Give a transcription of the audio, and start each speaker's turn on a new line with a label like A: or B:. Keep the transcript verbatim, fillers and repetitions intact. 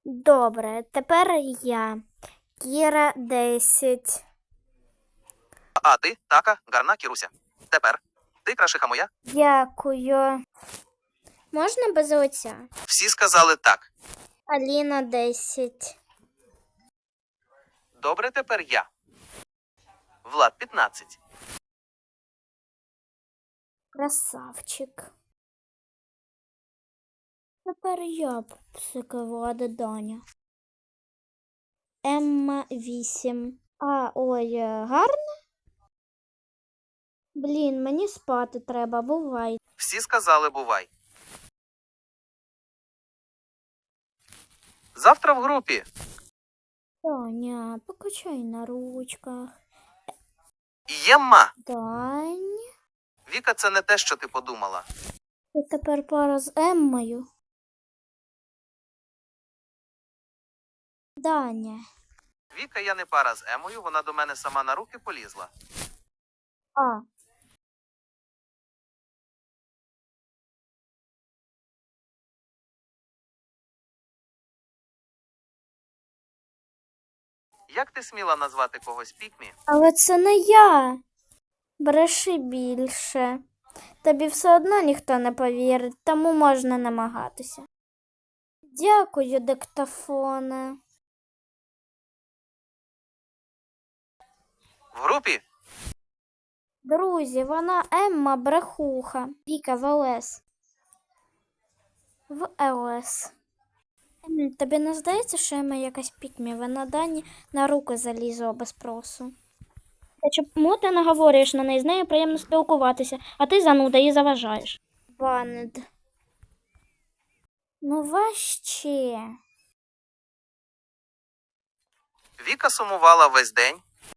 A: Добре, тепер я. Кіра десять.
B: А ти, така, гарна Кіруся. Тепер. Ти крашиха моя?
A: Дякую. Можна без оця?
B: Всі сказали так.
A: Аліна десять.
B: Добре, тепер я. Влад п'ятнадцять.
A: Красавчик. Тепер я псиковада Даня. Емма вісім. А, ой, е, гарно? Блін, мені спати треба, бувай.
B: Всі сказали бувай. Завтра в групі.
A: Таня, покачай на ручках.
B: Ємма.
A: Дань.
B: Віка, це не те, що ти подумала.
A: Ти тепер пара з Еммою. Даня.
B: Віка, я не пара з Емою, вона до мене сама на руки полізла.
A: А.
B: Як ти сміла назвати когось пікмі?
A: Але це не я. Бреши більше. Тобі все одно ніхто не повірить, тому можна намагатися. Дякую, диктофоне.
B: В групі?
A: Друзі, вона Емма брехуха. Віка в ЛС. В ЛС. Ем, Тобі не здається, що Емма якась пікмі? Вона Дані на руки залізла без спросу. Та чому ти наговорюєш на неї? З нею приємно спілкуватися, а ти зануда їй заважаєш. Банед. Ну важче.
B: Віка сумувала весь день,